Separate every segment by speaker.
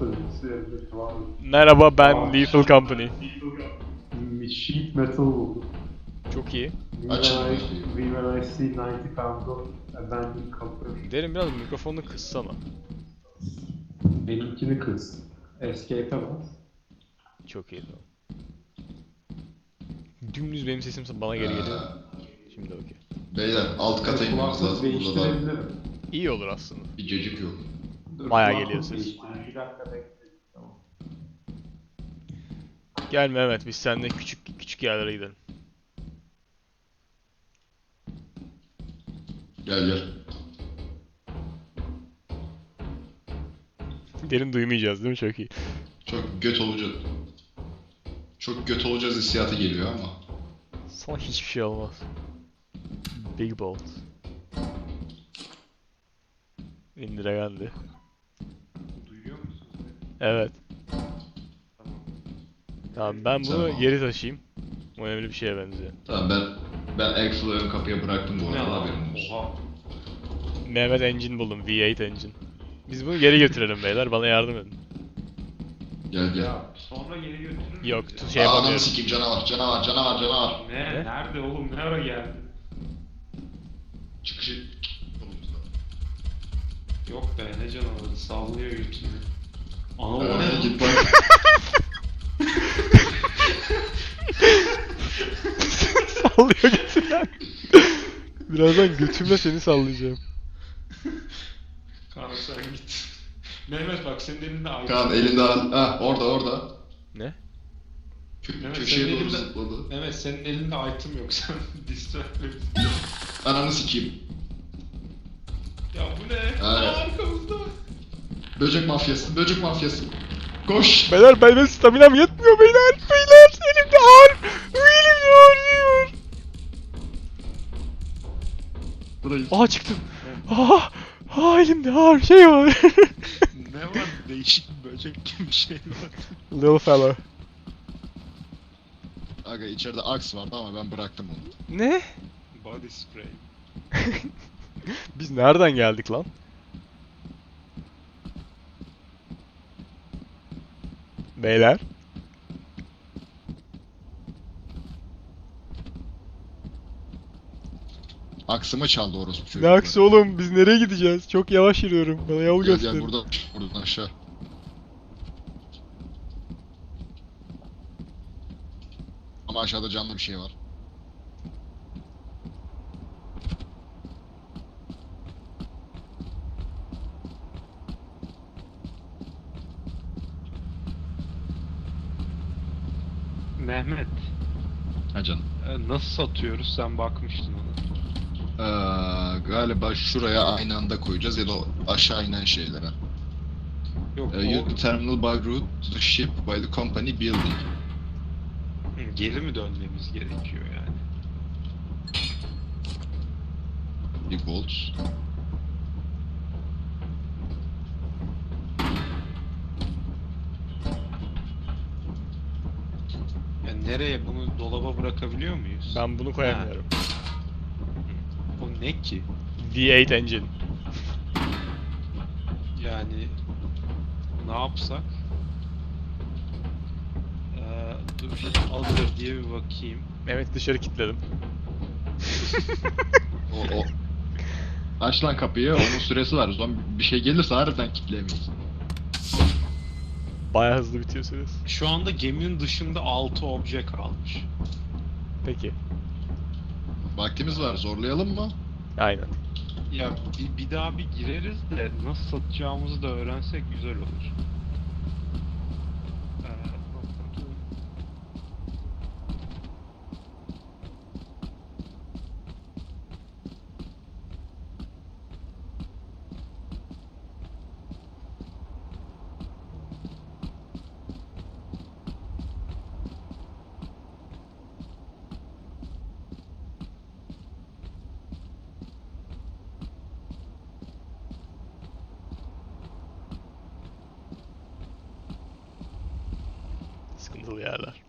Speaker 1: sözcüsü elbette var.
Speaker 2: Merhaba, ben Lethal Company.
Speaker 1: Sheet metal buldum.
Speaker 2: Çok iyi.
Speaker 3: Açın.
Speaker 1: When I see 90 pounds of abandoned copper.
Speaker 2: Derin, biraz mikrofonunu kıssana.
Speaker 1: Benimkini kız. Escape'e bas.
Speaker 2: Çok iyi, tamam. Dümdüz benim sesim bana geri geliyor. Şimdi okey.
Speaker 3: Beyler alt kata inmemiz
Speaker 1: Kulaklık
Speaker 3: lazım. Burada da
Speaker 1: değiştirebilirim.
Speaker 2: İyi olur aslında.
Speaker 3: bir cacık yok.
Speaker 1: Dur,
Speaker 2: Bayağı
Speaker 1: kulaklık
Speaker 2: geliyor ses.
Speaker 1: değiştireyim. Bir dakika bekle. Tamam.
Speaker 2: Gel Mehmet, biz seninle küçük küçük yerlere gidelim.
Speaker 3: Gel gel.
Speaker 2: Derin duymayacağız değil mi? Çok iyi.
Speaker 3: Çok göt olacağız. Çok göt olacağız hissiyatı geliyor ama.
Speaker 2: Sana hiçbir şey olmaz. Big Bolt. İndire geldi.
Speaker 1: Duyuyor musunuz beni?
Speaker 2: Evet.
Speaker 1: Tamam.
Speaker 2: Tamam, ben bunu
Speaker 3: Tamam.
Speaker 2: geri taşıyayım. Bu önemli bir şeye benziyor.
Speaker 3: Tamam ben Axel'ı ön kapıya bıraktım bu arada, haberin olsun.
Speaker 1: Oha.
Speaker 2: Mehmet engine buldum, V8 engine. Biz bunu geri götürelim beyler, bana yardım edin.
Speaker 3: Gel gel.
Speaker 1: Ya sonra geri götürür
Speaker 2: Yok,
Speaker 1: müyüz ya?
Speaker 2: şey
Speaker 3: Ananı
Speaker 2: yapamıyorum.
Speaker 3: sikeyim, canavar.
Speaker 1: Ne? Nerede oğlum? Ne ara geldi?
Speaker 3: Çıkışı...
Speaker 1: Yok be, ne canavarı, sallıyor götünü. Ana o ne?
Speaker 3: Git bak.
Speaker 2: Sallıyor götünden. Birazdan götümle seni sallayacağım.
Speaker 1: Kaan sen git. Mehmet bak, senin elinde ayrı.
Speaker 3: Kaan elinde al. Ha orada.
Speaker 2: Ne?
Speaker 1: Evet,
Speaker 3: Köşeye
Speaker 1: senin
Speaker 3: doğru
Speaker 1: elinde-
Speaker 3: zıpladı.
Speaker 1: Evet, senin elinde item yok, sen distract.
Speaker 3: Ananı sikeyim.
Speaker 1: Ya bu ne?
Speaker 3: Ha.
Speaker 1: Aa, arkamızda.
Speaker 3: Böcek mafyası. Koş.
Speaker 2: Beyler, benim staminam yetmiyor beyler. Beyler, elimde ağır. Elimde ağrıyor.
Speaker 3: Burayı.
Speaker 2: Aha, çıktım. Aha, elimde ağır şey var.
Speaker 1: Ne var? Değişik böcek gibi bir şey var.
Speaker 2: Little fella.
Speaker 3: Aga içeride aks vardı ama ben bıraktım onu.
Speaker 2: Ne?
Speaker 1: Body spray.
Speaker 2: Biz nereden geldik lan? Beyler.
Speaker 3: Aksımı çaldı orospu çocuk.
Speaker 2: Ne aksı oğlum? Biz nereye gideceğiz? Çok yavaş yürüyorum. Bana yol
Speaker 3: Gel
Speaker 2: göster.
Speaker 3: buradan aşağı. Ama aşağıda canlı bir şey var.
Speaker 1: Mehmet,
Speaker 3: Ha canım.
Speaker 1: nasıl satıyoruz? Sen bakmıştın ona.
Speaker 3: Galiba şuraya aynı anda koyacağız ya da aşağı inen şeylere.
Speaker 1: Yok,
Speaker 3: Use the terminal by route to the ship by the company building.
Speaker 1: geri mi dönmemiz gerekiyor yani?
Speaker 3: Big bolts.
Speaker 1: Yani nereye, bunu dolaba bırakabiliyor muyuz?
Speaker 2: Ben bunu koyamıyorum.
Speaker 1: O ne ki?
Speaker 2: V8 engine.
Speaker 1: Yani ne yapsak? Dur alır diye bir bakayım.
Speaker 2: Mehmet dışarı kilitledim.
Speaker 3: O. Aç lan kapıyı, onun süresi var. O zaman bir şey gelirse harbiden kitleyemeyiz.
Speaker 2: Bayağı hızlı bitiyor süresi.
Speaker 1: Şu anda geminin dışında 6 obje kalmış.
Speaker 2: Peki.
Speaker 3: Vaktimiz var, zorlayalım mı?
Speaker 2: Aynen.
Speaker 1: Ya bir daha bir gireriz de nasıl satacağımızı da öğrensek güzel olur.
Speaker 2: Sıkıntılı yerler.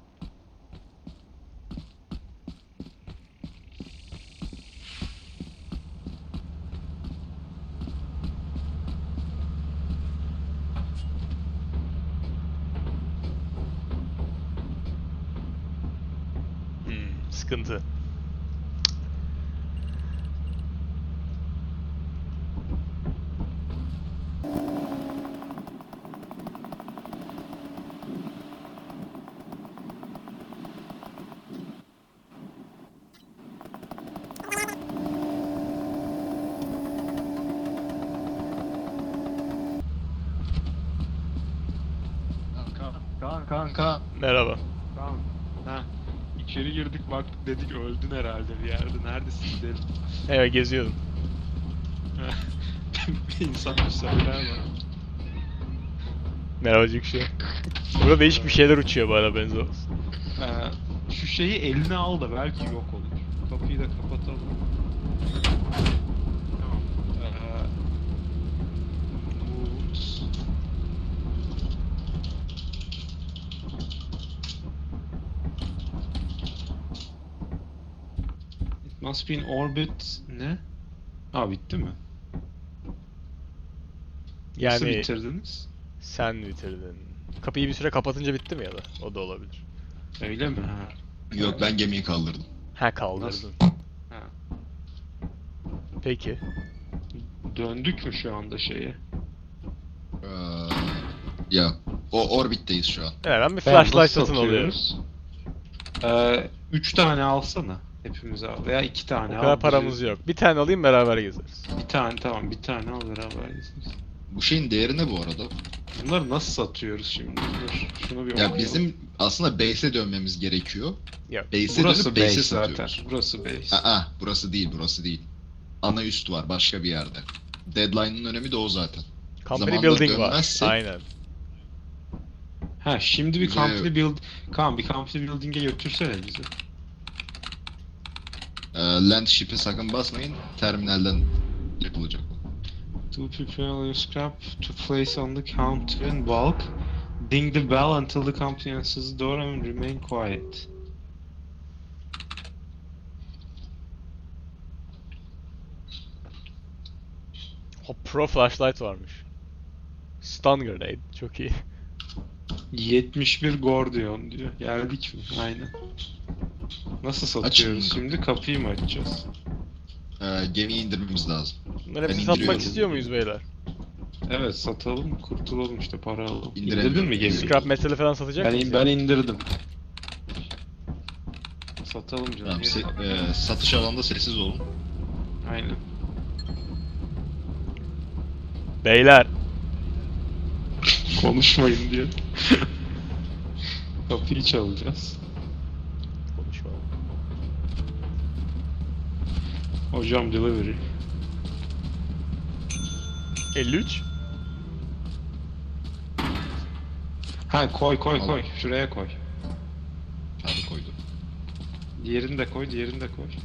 Speaker 2: sıkıntı.
Speaker 3: Kanka.
Speaker 2: Merhaba.
Speaker 1: Tamam. Ha. İçeri girdik baktık dedik öldün herhalde bir yerde. Neredesin gidelim.
Speaker 2: Evet, geziyordum.
Speaker 1: Bir insan bir söyler var.
Speaker 2: Merhaba Cükşü. Burada değişik bir şeyler uçuyor bu arada, benzer olsun.
Speaker 1: Şu şeyi eline al da belki yok olur. Kapıyı da kapatalım. Tamam. Notes. It must be in orbit. Ne? Ha bitti mi? Nasıl
Speaker 2: Yani
Speaker 1: bitirdiniz?
Speaker 2: sen bitirdin. Kapıyı bir süre kapatınca bitti mi ya da? O da olabilir.
Speaker 1: Öyle mi? Ha.
Speaker 3: Yok, ben gemiyi kaldırdım.
Speaker 2: Ha, kaldırdın.
Speaker 1: Nasıl? Ha.
Speaker 2: Peki.
Speaker 1: Döndük mü şu anda şeye?
Speaker 3: Ee, ya o orbitteyiz şu an.
Speaker 2: Evet, ben bir
Speaker 1: Tamam,
Speaker 2: flashlight
Speaker 1: nasıl
Speaker 2: satın alıyorum.
Speaker 1: satıyoruz? 3 tane alsana. Hepimiz al. Veya 2 tane
Speaker 2: O
Speaker 1: al.
Speaker 2: kadar paramız yok. Bir tane alayım, beraber gezeriz.
Speaker 1: Bir tane tamam. Bir tane al beraber gezeriz.
Speaker 3: Bu şeyin değeri ne bu arada?
Speaker 1: Bunları nasıl satıyoruz şimdi? Dur. Şunu bir
Speaker 3: Ya
Speaker 1: okuyalım.
Speaker 3: bizim aslında base'e dönmemiz gerekiyor.
Speaker 2: Yok.
Speaker 3: Base'e
Speaker 1: Burası
Speaker 3: dönüp
Speaker 1: base
Speaker 3: base'e
Speaker 1: zaten.
Speaker 3: satıyoruz.
Speaker 1: Burası base.
Speaker 3: Aa, burası değil, burası değil. Ana üst var başka bir yerde. Deadline'ın önemi de o zaten.
Speaker 2: Company
Speaker 3: Zamanda
Speaker 2: building var.
Speaker 3: dönmezsek-
Speaker 2: Aynen.
Speaker 1: Ha şimdi bir
Speaker 3: Bize-
Speaker 1: company build... Kaan bir company building'e götürsene bizi.
Speaker 3: Land ship'e sakın basmayın. Terminalden yapılacak bu.
Speaker 1: To prepare your scrap to place on the counter in bulk. Ding the bell until the company answers the door and remain quiet.
Speaker 2: O pro flashlight varmış. Stun grenade. Çok iyi.
Speaker 1: 71 Gordion diyor. Geldik mi? Aynen. Nasıl satıyoruz
Speaker 3: Açın.
Speaker 1: şimdi? Kapıyı mı açacağız?
Speaker 3: Gemiyi indirmemiz lazım.
Speaker 2: Bunları
Speaker 3: Ben
Speaker 2: hepsini satmak
Speaker 3: indiriyorum.
Speaker 2: istiyor muyuz beyler?
Speaker 1: Evet satalım, kurtulalım işte para alalım.
Speaker 3: İndiremiyorum.
Speaker 1: İndirdin mi gemiyi?
Speaker 2: Scrap metali falan satacak mıyız?
Speaker 1: Ben indirdim. Satalım canım.
Speaker 3: Tamam,
Speaker 1: niye
Speaker 3: satış alanında sessiz olun.
Speaker 1: Aynen.
Speaker 2: Beyler.
Speaker 1: Konuşmayın diyor. Kapıyı çalacağız.
Speaker 2: Konuşma.
Speaker 1: Hocam delivery.
Speaker 2: 53.
Speaker 1: Ha koy
Speaker 3: Al.
Speaker 1: koy. Şuraya koy.
Speaker 3: Çağrı koydu.
Speaker 1: Diğerini de koy, diğerini de koy.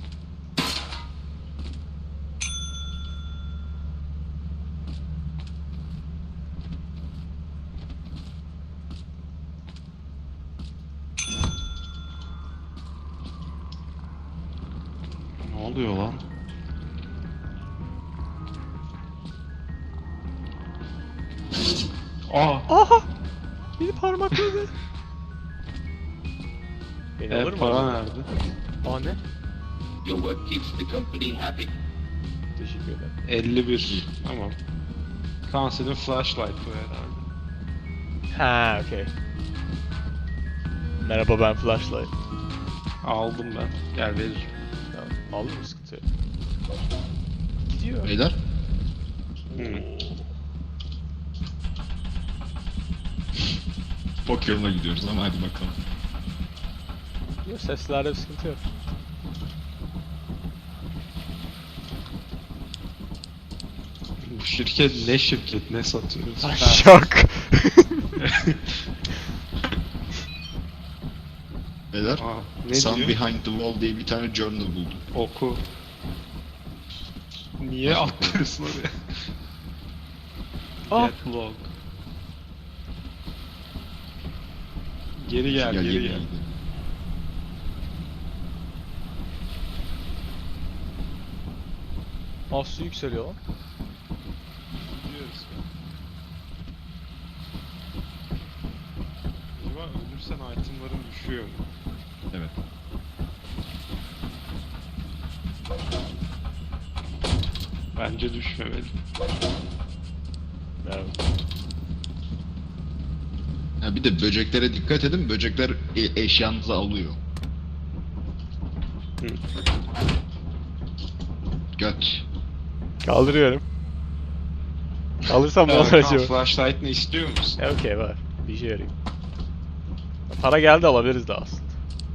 Speaker 1: Ne oluyor lan? Aa,
Speaker 2: Aha! Beni parmakladı. Beni alır mı?
Speaker 1: para
Speaker 2: acaba?
Speaker 1: nerede?
Speaker 2: Aa, ne?
Speaker 4: Your work keeps the company happy.
Speaker 2: Teşekkür ederim.
Speaker 1: 51. Tamam. Kaan senin flashlight bu herhalde.
Speaker 2: Ha, okey. Merhaba, ben flashlight.
Speaker 1: Aldım ben. Gel veririm.
Speaker 2: Tamam. Aldın mı, sıkıntı yok. Gidiyor.
Speaker 3: Beyler,
Speaker 1: Hı.
Speaker 3: bok yoluna gidiyoruz ama hadi bakalım.
Speaker 2: Gidiyor, seslerde bir sıkıntı yok.
Speaker 1: Bu şirket ne şirket ne satıyoruz?
Speaker 2: Ay, şok.
Speaker 3: Beyler,
Speaker 1: Aa, ne
Speaker 3: Sun
Speaker 1: diyor?
Speaker 3: Behind the Wall diye bir tane journal buldum.
Speaker 1: Oku. Niye
Speaker 3: Nasıl
Speaker 1: atlıyorsun oraya?
Speaker 2: Ah.
Speaker 1: Get log. Geri gel, geri
Speaker 3: gemiye
Speaker 1: gel.
Speaker 3: gidelim.
Speaker 2: Aa, su yükseliyor lan.
Speaker 1: Gidiyoruz. Acaba ölürsen itemların düşüyor mu?
Speaker 3: Evet.
Speaker 1: Bence düşmemeli.
Speaker 2: Evet.
Speaker 3: Ha bir de böceklere dikkat edin. Böcekler eşyanızı alıyor.
Speaker 1: Hı.
Speaker 3: Göt.
Speaker 2: Kaldırıyorum. Kalırsam ne olur
Speaker 1: Kaan,
Speaker 2: acaba?
Speaker 1: flashlight ne istiyor musun?
Speaker 2: Okey var. Bir işe yarayayım. Para geldi alabiliriz daha aslında.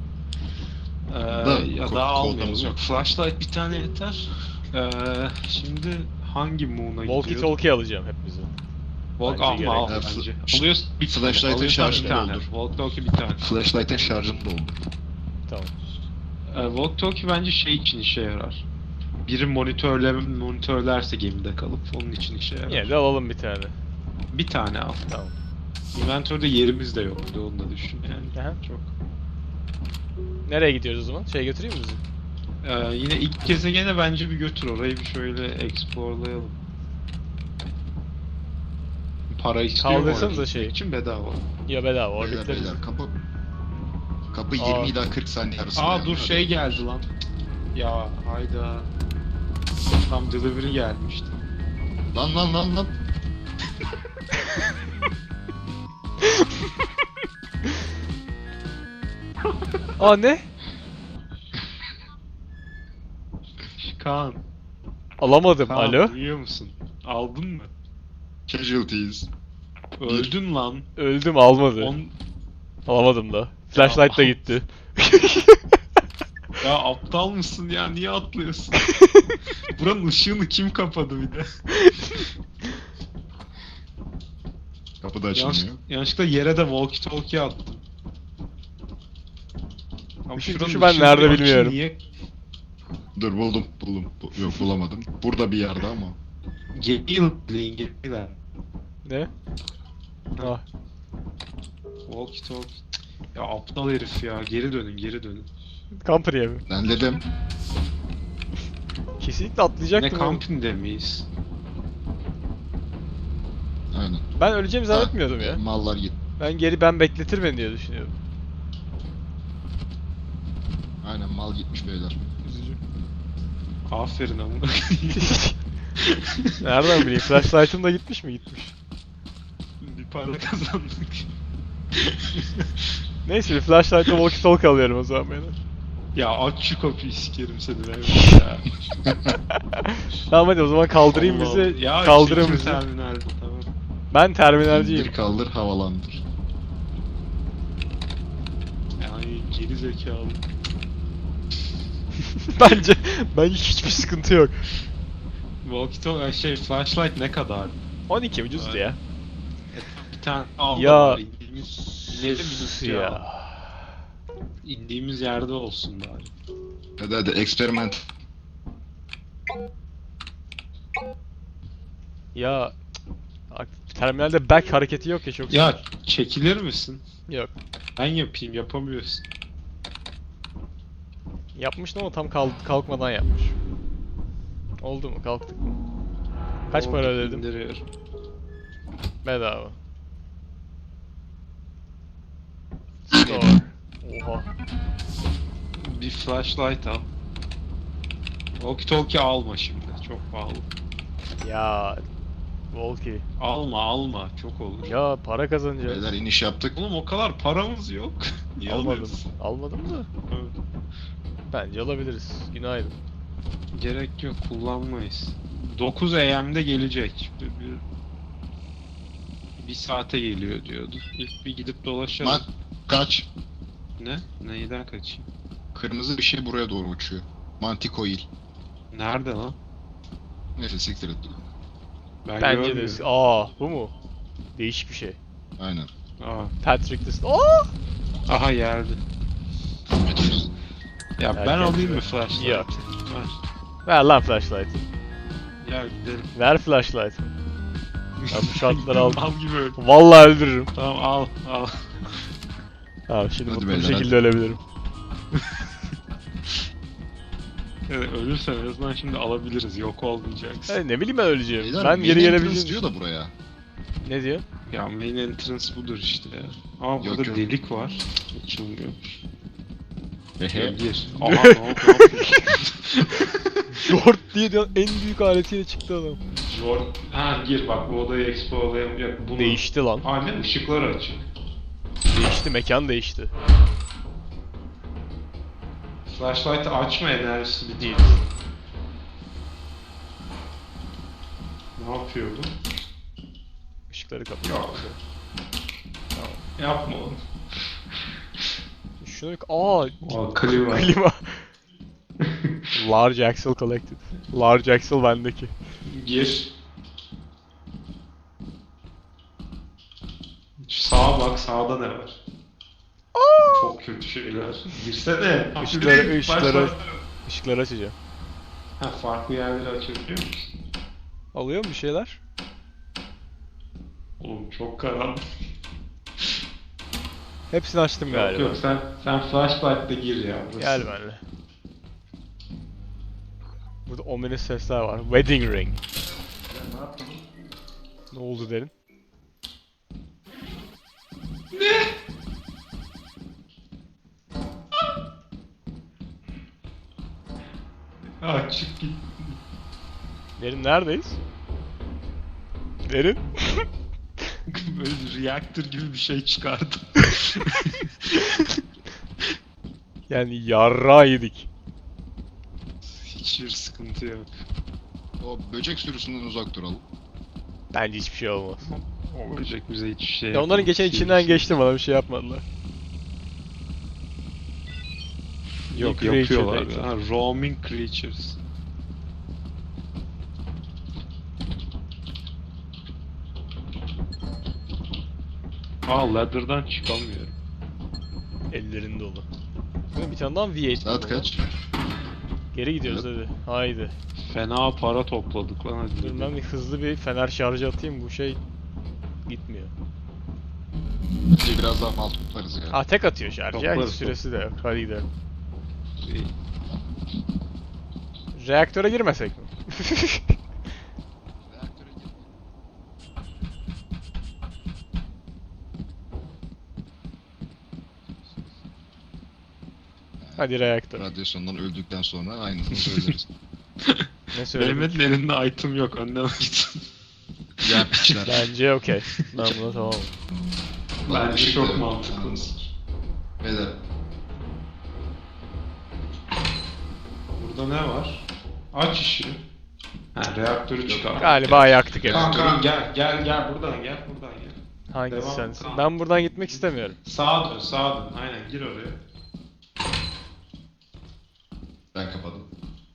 Speaker 1: Ya
Speaker 3: Ko-
Speaker 1: daha
Speaker 3: kodumuz
Speaker 1: almıyoruz.
Speaker 3: yok.
Speaker 1: Yok, flashlight bir tane yeter. Şimdi hangi moon'a
Speaker 2: Walkie
Speaker 1: gidiyor?
Speaker 2: talkie alacağım hepimizi.
Speaker 1: Walk
Speaker 2: Bence
Speaker 1: alma al
Speaker 2: gerek
Speaker 3: yok.
Speaker 1: bence.
Speaker 3: F-
Speaker 1: Alıyorsun bir tane.
Speaker 3: Flashlight'ın
Speaker 1: Alıyorsan
Speaker 3: şarjını
Speaker 1: bir tane.
Speaker 3: doldur.
Speaker 1: Walk talkie bir tane.
Speaker 3: Flashlight'ın şarjını doldur.
Speaker 2: Tamam.
Speaker 1: Walk talkie bence şey için işe yarar. Biri monitörlerse gemide kalıp onun için işe yarar.
Speaker 2: Yine de alalım bir tane.
Speaker 1: Bir tane al.
Speaker 2: Tamam.
Speaker 1: Inventörde yerimiz de yok. Bir de onu da düşün yani.
Speaker 2: Aha.
Speaker 1: Çok.
Speaker 2: Nereye gidiyoruz o zaman? Şey götüreyim mi bizi?
Speaker 1: Yine ilk gezegene bence bir götür orayı bir şöyle explorlayalım. Para istiyor mu
Speaker 2: Kaldırsanıza
Speaker 1: oraya
Speaker 2: şeyi.
Speaker 1: gitmek için bedava.
Speaker 2: Ya bedava
Speaker 3: Beyler
Speaker 2: orbitleriz.
Speaker 3: beyler kapı
Speaker 2: Aa.
Speaker 3: 20 ila 40 saniye arasında.
Speaker 1: Aa
Speaker 3: yani.
Speaker 1: dur şey geldi lan. Ya hayda. Tam delivery gelmişti.
Speaker 3: Lan.
Speaker 2: Aa ne?
Speaker 1: Kaan.
Speaker 2: Alamadım.
Speaker 1: Kaan
Speaker 2: Alo?
Speaker 1: duyuyor musun? Aldın mı?
Speaker 3: Casualties.
Speaker 1: Öldün lan.
Speaker 2: Öldüm almadı.
Speaker 1: On...
Speaker 2: Alamadım da. Flashlight da
Speaker 1: Ya.
Speaker 2: gitti.
Speaker 1: Ya aptal mısın ya? Niye atlıyorsun? Buranın ışığını kim kapadı bir de?
Speaker 3: Kapı da açılmıyor.
Speaker 1: Yanlışlıkla yere de walkie talkie attım. Ama
Speaker 2: Işık
Speaker 1: şuranın
Speaker 2: tuşu ben
Speaker 1: ışığını
Speaker 2: nerede
Speaker 1: açın,
Speaker 2: bilmiyorum.
Speaker 1: Niye?
Speaker 3: Dur buldum. Yok bulamadım. Burada bir yerde ama.
Speaker 1: Gemiyle.
Speaker 2: Ne? Ah.
Speaker 1: Walkie talkie. Ya aptal herif ya. Geri dönün.
Speaker 2: Company'e mi?
Speaker 3: Ben dedim.
Speaker 2: Kesinlikle
Speaker 1: Ne
Speaker 2: atlayacaktım. oğlum.
Speaker 1: camping'de miyiz?
Speaker 3: Aynen.
Speaker 2: Ben öleceğimi zannetmiyordum ya.
Speaker 3: Mallar git.
Speaker 2: Ben bekletir beni diye düşünüyordum.
Speaker 3: Aynen mal gitmiş beyler.
Speaker 2: Üzücü.
Speaker 1: Aferin ama.
Speaker 2: Nereden bileyim? Flashlight'ım da gitmiş mi? Gitmiş.
Speaker 1: Bir para kazandık.
Speaker 2: Neyse bir flashlight'la walkie talkie alıyorum o zaman beni.
Speaker 1: Ya aç şu kapıyı sikerim seni ben ya.
Speaker 2: Tamam hadi o zaman kaldırayım
Speaker 1: Allah
Speaker 2: bizi.
Speaker 1: Allah. Ya
Speaker 2: Kaldırın
Speaker 1: çekim
Speaker 2: bizi.
Speaker 1: terminalde tamam.
Speaker 2: Ben terminalciyim.
Speaker 3: İndir kaldır havalandır.
Speaker 1: Yani geri zekalı.
Speaker 2: Bence hiçbir sıkıntı yok.
Speaker 1: Walkie talkie flashlight ne kadar?
Speaker 2: 12 ucuzdu ya.
Speaker 1: Bir tane al
Speaker 2: Ya.
Speaker 1: da bari indiğimiz ya.
Speaker 2: Ya.
Speaker 1: İndiğimiz yerde olsun bari.
Speaker 3: Hadi experiment.
Speaker 2: Ya terminalde back hareketi yok ya çok
Speaker 1: Ya
Speaker 2: sinir.
Speaker 1: çekilir misin?
Speaker 2: Yok.
Speaker 1: Ben yapayım yapamıyorsun.
Speaker 2: Yapmıştım ama tam kalkmadan yapmış. Oldu mu? Kalktık mı? Kaç
Speaker 1: Oldu,
Speaker 2: para ödedim?
Speaker 1: indiriyorum.
Speaker 2: Bedava. Store. Oha.
Speaker 1: Bir flashlight al. Walkie talkie alma şimdi. Çok pahalı.
Speaker 2: Ya. Walkie.
Speaker 1: Alma. Çok olur.
Speaker 2: Ya para kazanacağız.
Speaker 3: Beyler iniş yaptık.
Speaker 1: Oğlum o kadar paramız yok. Niye
Speaker 2: Almadım.
Speaker 1: alıyorsun?
Speaker 2: Almadım da.
Speaker 1: Evet.
Speaker 2: Bence alabiliriz. Günaydın.
Speaker 1: Gerek yok kullanmayız. 9 AM'de gelecek. Bir saate geliyor diyordu. Bir gidip dolaşalım.
Speaker 3: Lan kaç.
Speaker 1: Ne? Neyden kaçayım?
Speaker 3: Kırmızı bir şey buraya doğru uçuyor. Manticoil.
Speaker 1: Nerede lan?
Speaker 3: Neyse siktir et.
Speaker 1: Ben
Speaker 2: Bence de.
Speaker 1: görmüyorum.
Speaker 2: Bu mu? Değişik bir şey.
Speaker 3: Aynen.
Speaker 1: Aa,
Speaker 2: Patrick Dist. Aa!
Speaker 1: aha geldi. Ya ben
Speaker 2: Erken
Speaker 1: alayım
Speaker 2: gibi.
Speaker 1: mı flashlight?
Speaker 2: Yok.
Speaker 1: Ver.
Speaker 2: Ver lan flashlight.
Speaker 1: Gel gidelim.
Speaker 2: Ver flashlight. Ben bu şartları aldım.
Speaker 1: Al gibi öl.
Speaker 2: Vallahi öldürürüm.
Speaker 1: Tamam al.
Speaker 2: Abi şimdi
Speaker 3: Hadi
Speaker 2: mutlu bir
Speaker 3: beyler,
Speaker 2: şekilde
Speaker 3: hadi.
Speaker 2: ölebilirim.
Speaker 1: Evet, ölürsen en azından şimdi alabiliriz. Yok olmayacaksın.
Speaker 2: Hey, ne bileyim ben öleceğim.
Speaker 3: Beyler,
Speaker 2: Ben
Speaker 3: main
Speaker 2: geri
Speaker 3: entrance
Speaker 2: gelebileceğim.
Speaker 3: diyor da buraya.
Speaker 2: Ne diyor?
Speaker 1: Ya main entrance budur işte ya. Ama
Speaker 3: Yok,
Speaker 1: burada
Speaker 3: yok.
Speaker 1: delik var. Açılmıyormuş.
Speaker 3: Hehe.
Speaker 1: Gir. Aha ne oldu?
Speaker 2: Short diye de en büyük aletiyle çıktı adam.
Speaker 1: Zor. Ha gir bak bu odayı explore'layalım. Bunu...
Speaker 2: Değişti lan.
Speaker 1: Aynen ışıklar açık.
Speaker 2: Değişti, mekan değişti.
Speaker 1: Flashlight'ı açma enerjisi bir değil. Ne yapıyor bu?
Speaker 2: Işıkları kapatıyor.
Speaker 1: Yok. Yapma onu.
Speaker 2: Şunu aa,
Speaker 1: O klima.
Speaker 2: klima. Large Axle collected. Large Axle bendeki.
Speaker 1: Gir. Sağa bak, sağda ne var? Çok kötü şeyler. Girsene.
Speaker 2: Işıkları, ışıkları,
Speaker 1: Başla.
Speaker 2: ışıkları açacağım.
Speaker 1: Ha, farklı yerleri açabiliyor musun?
Speaker 2: Alıyor mu bir şeyler?
Speaker 1: Oğlum çok karanlık.
Speaker 2: Hepsini açtım
Speaker 1: Yok
Speaker 2: galiba.
Speaker 1: yok sen flashlight'la gir ya. Burası.
Speaker 2: Gel benimle. Burada ominous sesler var. Wedding ring.
Speaker 1: Ne yapalım?
Speaker 2: Ne oldu derin?
Speaker 1: Ha çık git.
Speaker 2: Derin neredeyiz? Derin?
Speaker 1: Böyle reaktör gibi bir şey çıkardı.
Speaker 2: Yani yarrağı yedik.
Speaker 1: Hiçbir sıkıntı yok.
Speaker 3: O böcek sürüsünden uzak duralım.
Speaker 2: Bence hiçbir şey olmaz.
Speaker 1: Olmayacak bize hiçbir şey.
Speaker 2: Ya onların geçen içinden geçtim, bana bir şey yapmadılar.
Speaker 1: Yok
Speaker 2: Creature
Speaker 1: yapıyorlar.
Speaker 2: data.
Speaker 1: Ha, roaming creatures. Aa ladder'dan çıkamıyorum.
Speaker 2: Ellerin dolu. Bir tane daha V8
Speaker 3: Saat
Speaker 2: buldum
Speaker 3: kaç?
Speaker 2: lan. Geri gidiyoruz hadi. Haydi.
Speaker 1: Fena para topladık lan hadi.
Speaker 2: Dur ben bir hızlı bir fener şarjı atayım, bu şey gitmiyor.
Speaker 3: Biraz daha mal toplarız ya.
Speaker 2: Ha tek atıyor şarjı ya, hiç
Speaker 1: Toplarız,
Speaker 2: süresi de yok. Hadi gidelim.
Speaker 1: İyi.
Speaker 2: Reaktöre girmesek mi?
Speaker 3: Reaktöre gir.
Speaker 2: Hadi reaktör.
Speaker 3: Radyasyondan öldükten sonra aynısını söyleriz.
Speaker 2: Ne söyledin?
Speaker 1: Mehmet'in elinde item yok önden gitsin.
Speaker 3: Ya piçler.
Speaker 2: Bence okey. Ben buna tamamım.
Speaker 1: Bence
Speaker 3: Işık
Speaker 1: çok
Speaker 3: da-
Speaker 1: mantıklı.
Speaker 3: Beyler.
Speaker 1: Burada ne var? Aç ışığı. Ha reaktörü çıkar.
Speaker 2: Galiba yaktık evet.
Speaker 1: Tamam gel buradan gel.
Speaker 2: Hangisi
Speaker 1: Devam,
Speaker 2: sensin?
Speaker 1: tamam.
Speaker 2: Ben buradan gitmek istemiyorum.
Speaker 1: Sağa dön. Aynen gir oraya.
Speaker 3: Ben kapadım.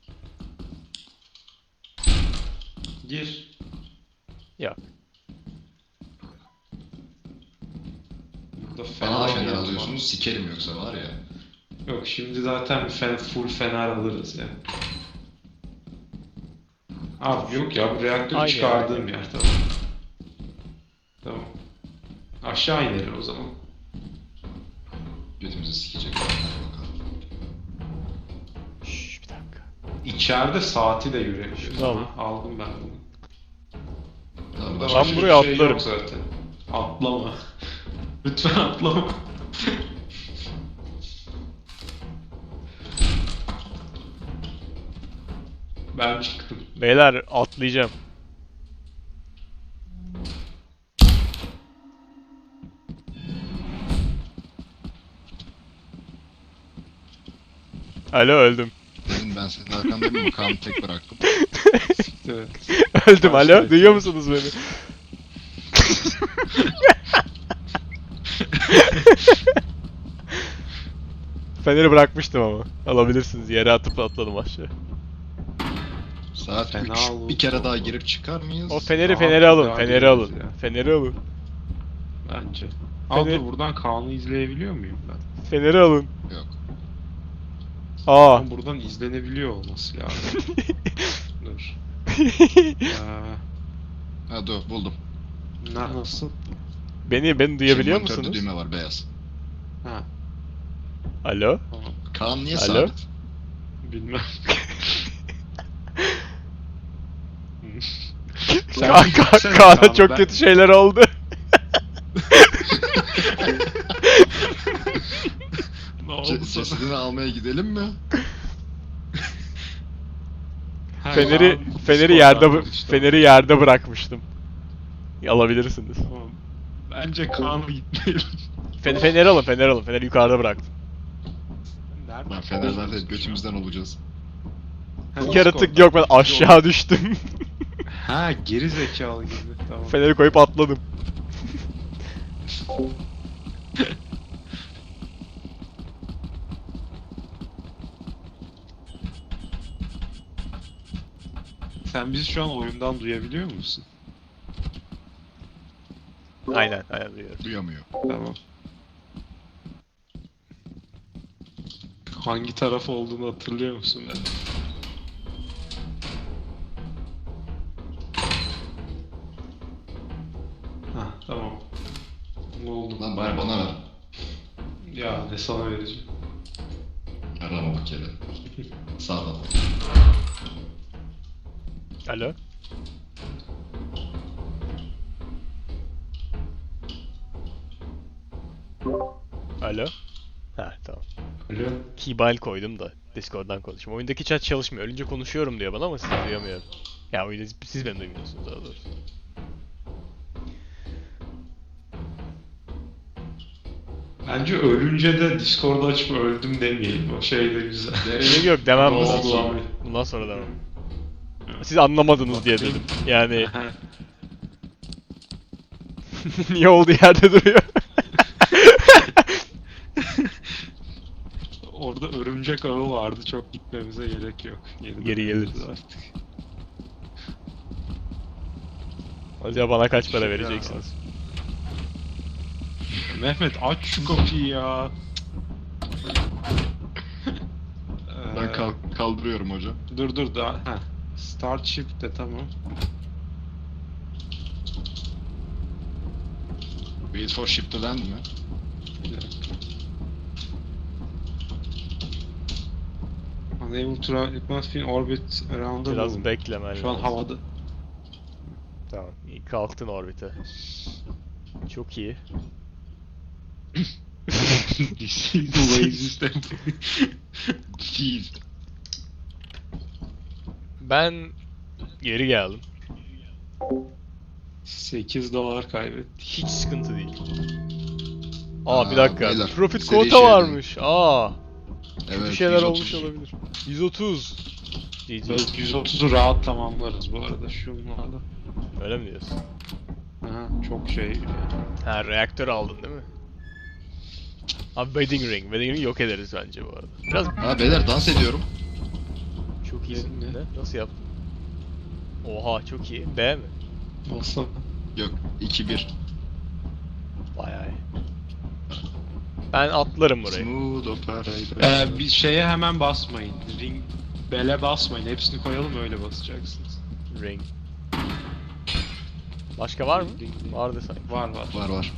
Speaker 1: Gir.
Speaker 2: Yok.
Speaker 1: Burada
Speaker 3: Bana da
Speaker 1: bir
Speaker 3: fener
Speaker 1: yer var.
Speaker 3: alıyorsunuz, sikerim yoksa var ya.
Speaker 1: Yok şimdi zaten bir full fener alırız ya. Abi yok ya bu reaktörü
Speaker 2: Aynı
Speaker 1: çıkardığım
Speaker 2: yer.
Speaker 1: yer tamam. Tamam. Aşağı inelim o zaman.
Speaker 3: Götümüzü sikecek. Hadi bakalım.
Speaker 2: Şşş bir dakika.
Speaker 1: İçeride saati de yürüyebiliyoruz.
Speaker 2: Şunu alın.
Speaker 1: Aha, aldım ben bunu.
Speaker 3: Tamam,
Speaker 1: Burada
Speaker 3: başka
Speaker 2: Ben
Speaker 1: başka
Speaker 3: bir
Speaker 2: buraya
Speaker 1: bir şey
Speaker 2: atlarım.
Speaker 1: yok zaten. Atlama. Lütfen atlama. Ben çıktım.
Speaker 2: Beyler atlayacağım. Alo öldüm.
Speaker 3: Dedim ben senin arkandayım mı? Kaan'ı tek bıraktım.
Speaker 1: Evet.
Speaker 2: Öldüm alo.
Speaker 1: Başlayın.
Speaker 2: Duyuyor musunuz beni? Feneri bırakmıştım ama. Alabilirsiniz. Yere atıp atladım aşağı.
Speaker 3: Saat
Speaker 1: Fena
Speaker 3: 3.
Speaker 1: oldu.
Speaker 3: Bir kere daha girip çıkar mıyız?
Speaker 2: O feneri
Speaker 1: Daha
Speaker 2: feneri alın.
Speaker 1: daha
Speaker 2: Feneri
Speaker 1: gireriz
Speaker 2: alın.
Speaker 1: ya.
Speaker 2: Feneri alın.
Speaker 1: Bence. Al
Speaker 2: Fener-
Speaker 1: dur buradan Kaan'ı izleyebiliyor muyum ben?
Speaker 2: Feneri alın.
Speaker 3: Yok.
Speaker 2: Aa.
Speaker 1: Ama buradan izlenebiliyor olması lazım. Dur.
Speaker 3: Ha dur buldum.
Speaker 1: Nasıl?
Speaker 2: beni duyabiliyor
Speaker 3: Monitörde
Speaker 2: musunuz?
Speaker 3: düğme var beyaz.
Speaker 1: Ha.
Speaker 2: Alo?
Speaker 1: Tamam.
Speaker 3: Kaan niye
Speaker 2: Alo?
Speaker 3: sabit?
Speaker 1: Bilmem.
Speaker 2: Kaan'a çok kötü şeyler oldu.
Speaker 1: Ne oldu sana?
Speaker 3: Cesedini almaya gidelim mi?
Speaker 2: Feneri yerde bırakmıştım. Alabilirsiniz.
Speaker 1: Tamam. Bence Kaan'la gitmeyelim.
Speaker 2: Feneri alın. Feneri yukarıda bıraktım.
Speaker 1: Nerede?
Speaker 3: Lan Fener'den götümüzden olacağız.
Speaker 1: Ha,
Speaker 2: Yaratık yok, ben aşağı düştüm.
Speaker 1: Ha, geri zekalı gibi. Tamam.
Speaker 2: Feneri koyup atladım.
Speaker 1: Sen bizi şu an oyundan duyabiliyor musun?
Speaker 2: Aynen duyuyorum.
Speaker 3: Duyamıyor.
Speaker 1: Tamam. Hangi taraf olduğunu hatırlıyor musun ben? Ha, tamam. Ne oldu?
Speaker 3: Lan bari bana ver.
Speaker 1: Ya ne sana vereceğim.
Speaker 3: Arama bu kere. Sağdan.
Speaker 2: Alo? Alo? Ha tamam.
Speaker 1: Alo.
Speaker 2: Keybal koydum da Discord'dan konuşuyorum. Oyundaki chat çalışmıyor. Ölünce konuşuyorum diyor bana ama sizi duyamıyorum. Ya oyunda siz beni duymuyorsunuz daha doğrusu.
Speaker 1: Bence ölünce de Discord'u açıp öldüm demeyelim. O şey de güzel.
Speaker 2: Gerek yok demem
Speaker 1: Ne
Speaker 2: bu
Speaker 1: oldu
Speaker 2: sefer.
Speaker 1: abi?
Speaker 2: Bundan sonra demem. Siz anlamadınız diye dedim. Yani niye olduğu yerde duruyor?
Speaker 1: Orada örümcek ağı vardı. Çok gitmemize gerek yok.
Speaker 2: Geri geliriz.
Speaker 1: artık.
Speaker 2: Acaba bana kaç para
Speaker 1: Şaka.
Speaker 2: vereceksiniz?
Speaker 1: Mehmet aç şu kapıyı ya.
Speaker 3: Ben kaldırıyorum hocam.
Speaker 1: Dur daha. Heh. Start shift de tamam.
Speaker 3: Wait for ship to land mi?
Speaker 1: Bir dakika. Unable to run, it must be in orbit around the
Speaker 2: Biraz
Speaker 1: moon.
Speaker 2: beklemen
Speaker 1: Şu an
Speaker 2: lazım.
Speaker 1: havada.
Speaker 2: Tamam. İyi kalktın orbite. Çok iyi.
Speaker 1: This is the lazy step.
Speaker 3: Jeez.
Speaker 2: Ben geri geldim.
Speaker 1: $8 kaybettik.
Speaker 2: Hiç sıkıntı değil. Bir
Speaker 3: Aa,
Speaker 2: dakika.
Speaker 3: beyler,
Speaker 2: Profit
Speaker 3: seri
Speaker 2: quota
Speaker 3: şeyden.
Speaker 2: varmış. Kötü
Speaker 3: Evet,
Speaker 2: şeyler
Speaker 3: 130.
Speaker 2: olmuş olabilir. 130. GG.
Speaker 1: 130'u rahat tamamlarız bu arada şunlarla.
Speaker 2: Öyle mi diyorsun?
Speaker 1: Aha, çok şey.
Speaker 2: Ha, reaktör aldın değil mi? Abi Wedding Ring. Wedding Ring yok ederiz bence bu arada. Biraz
Speaker 3: Ha beyler dans ediyorum.
Speaker 2: çok iyisin.
Speaker 1: Ne?
Speaker 2: Ne? Nasıl yaptın? Oha çok iyi. B mi?
Speaker 1: Nasıl?
Speaker 3: Yok 2-1.
Speaker 2: Bayağı iyi. Ben atlarım burayı.
Speaker 3: Smooth operator.
Speaker 1: Bir şeye hemen basmayın. Ring bele basmayın. Hepsini koyalım öyle basacaksınız.
Speaker 2: Ring. Başka var mı?
Speaker 1: Ring.
Speaker 2: Vardı sanki.
Speaker 1: Var.
Speaker 3: Var.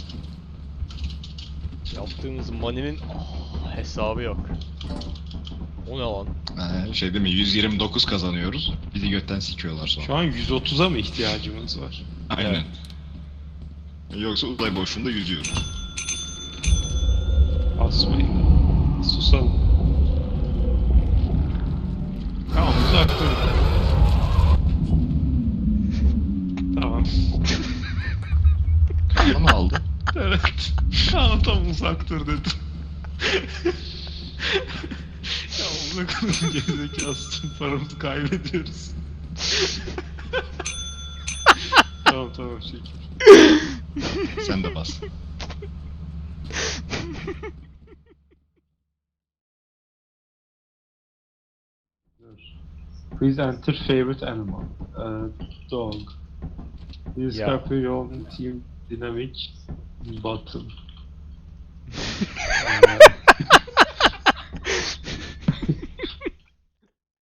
Speaker 2: Yaptığımız money'nin hesabı yok. O ne lan?
Speaker 3: Şey değil mi 129 kazanıyoruz. Bizi götten sikiyorlar sonra.
Speaker 1: Şu an 130'a mı ihtiyacımız var?
Speaker 3: Aynen. Yoksa uzay boşluğunda yüzüyoruz.
Speaker 1: Basmayın. Susalım. Tamam uzak durun. Tamam.
Speaker 3: Kanla mı aldı?
Speaker 1: Evet. Kaan tam uzak dur dedim. Ya onu kadar gerizekalı tüm paramızı kaybediyoruz. Tamam çekil.
Speaker 3: Sen de bas.
Speaker 1: Please enter favorite animal. Dog. Please
Speaker 2: Ya.
Speaker 1: copy your own team dynamic button.